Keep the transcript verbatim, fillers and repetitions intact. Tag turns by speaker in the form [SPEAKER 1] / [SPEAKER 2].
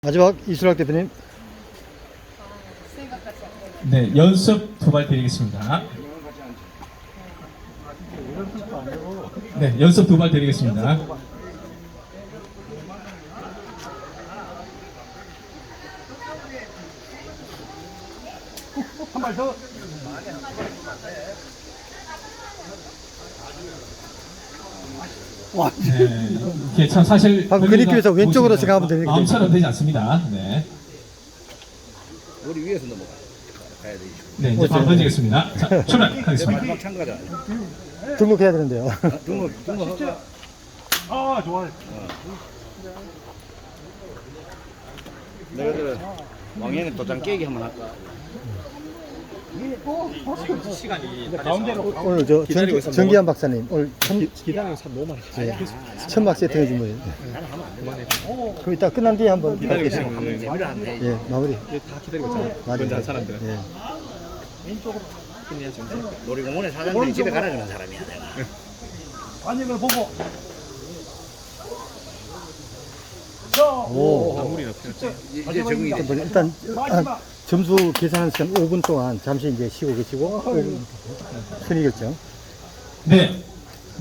[SPEAKER 1] 마지막 이순학 대표님.
[SPEAKER 2] 네, 연습 도발 드리겠습니다. 네, 연습 도발 드리겠습니다.
[SPEAKER 1] 한 발 더. 와,
[SPEAKER 2] 네, 이게 참 사실
[SPEAKER 1] 방금 그립교에서 왼쪽으로 생각하면 되니까.
[SPEAKER 2] 마음처럼 되지 않습니다. 네,
[SPEAKER 3] 우리 위에서 넘어가. 가야 돼.
[SPEAKER 2] 네, 이제 바로 던지겠습니다. 자, 출발하겠습니다.
[SPEAKER 3] 마지막 참가자.
[SPEAKER 1] 등록해야 되는데요.
[SPEAKER 3] 등록 등록하고.
[SPEAKER 1] 아, 좋아요.
[SPEAKER 3] 내가 들 왕년에 도장 깨기 한번 할까?
[SPEAKER 1] 오늘 저 정, 정기한 박사님 오늘 천,
[SPEAKER 4] 기다리는 사람 너무 많이
[SPEAKER 1] 예, 천막 세팅해 준 거예요. 그럼 이따 끝난 뒤에 한번
[SPEAKER 4] 기다리고
[SPEAKER 1] 예,
[SPEAKER 4] 있으면
[SPEAKER 1] 예, 마무리.
[SPEAKER 4] 다 기다리고 있잖아요.
[SPEAKER 1] 맞아요.
[SPEAKER 4] 먼저 한 사람들은
[SPEAKER 1] 예.
[SPEAKER 4] 끝내야 정상.
[SPEAKER 3] 놀이공원에 사장들이 집에 가라 그런 사람이야 내가.
[SPEAKER 1] 안녕을 보고. 오.
[SPEAKER 4] 아무리나 그렇지.
[SPEAKER 3] 이제 적응이 돼.
[SPEAKER 1] 일단 아, 점수 계산하는 시간 오 분 동안 잠시 이제 쉬고 계시고 오 분 순위 결정.
[SPEAKER 2] 네,